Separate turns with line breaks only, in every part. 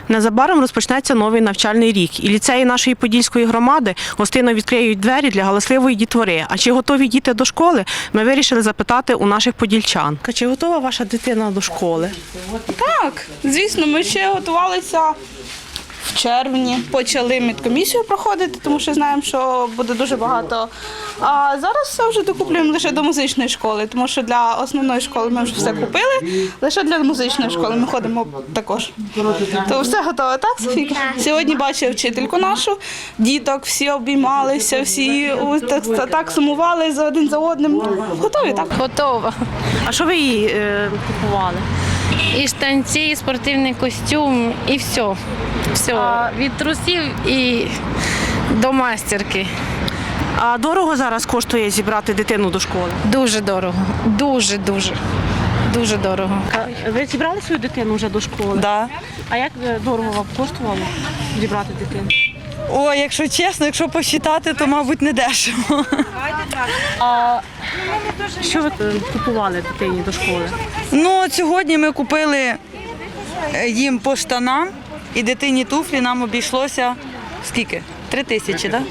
Незабаром розпочнеться новий навчальний рік, і ліцеї нашої Подільської громади гостинно відкриють двері для галасливої дітвори. А чи готові діти до школи, ми вирішили запитати у наших подільчан. Чи готова ваша дитина до школи?
Так, звісно, ми ще готувалися в червні. Почали медкомісію проходити, тому що знаємо, що буде дуже багато. А зараз все вже докуплюємо лише до музичної школи, тому що для основної школи ми вже все купили, лише для музичної школи ми ходимо також. То все готове, так, Софійка? Сьогодні бачив вчительку нашу, діток, всі обіймалися, всі так сумували за один за одним. Готові, так?
Готова.
А що ви їй купували?
І штанці, і спортивний костюм, і все. Все. Від трусів і до майстерки.
А дорого зараз коштує зібрати дитину до школи?
Дуже дорого. Дуже-дуже. Дуже дорого.
Ви зібрали свою дитину вже до школи?
Да.
А як дорого вам коштувало зібрати дитину?
О, якщо чесно, якщо посчитати, то, мабуть, не дешево.
А що ви купували дитині до школи?
Ну, от сьогодні ми купили їм по штанам і дитині туфлі нам обійшлося скільки? 3 тисячі, так?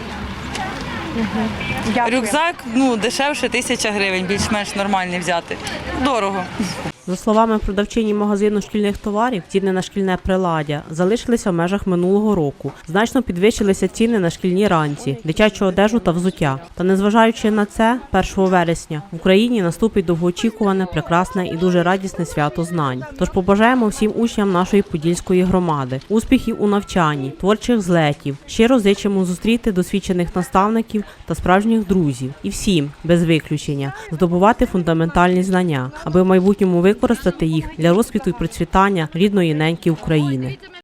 Да? Рюкзак, дешевше 1000 гривень, більш-менш нормальний взяти. Дорого.
За словами продавчині магазину шкільних товарів, ціни на шкільне приладдя залишилися в межах минулого року. Значно підвищилися ціни на шкільні ранці, дитячу одежу та взуття. Та незважаючи на це, 1 вересня в Україні наступить довгоочікуване, прекрасне і дуже радісне свято знань. Тож побажаємо всім учням нашої Подільської громади успіхів у навчанні, творчих злетів. Щиро зичимо зустріти досвідчених наставників та справжніх друзів. І всім, без виключення, здобувати фундаментальні знання, аби в майбутньому використати їх для розквіту і процвітання рідної неньки України.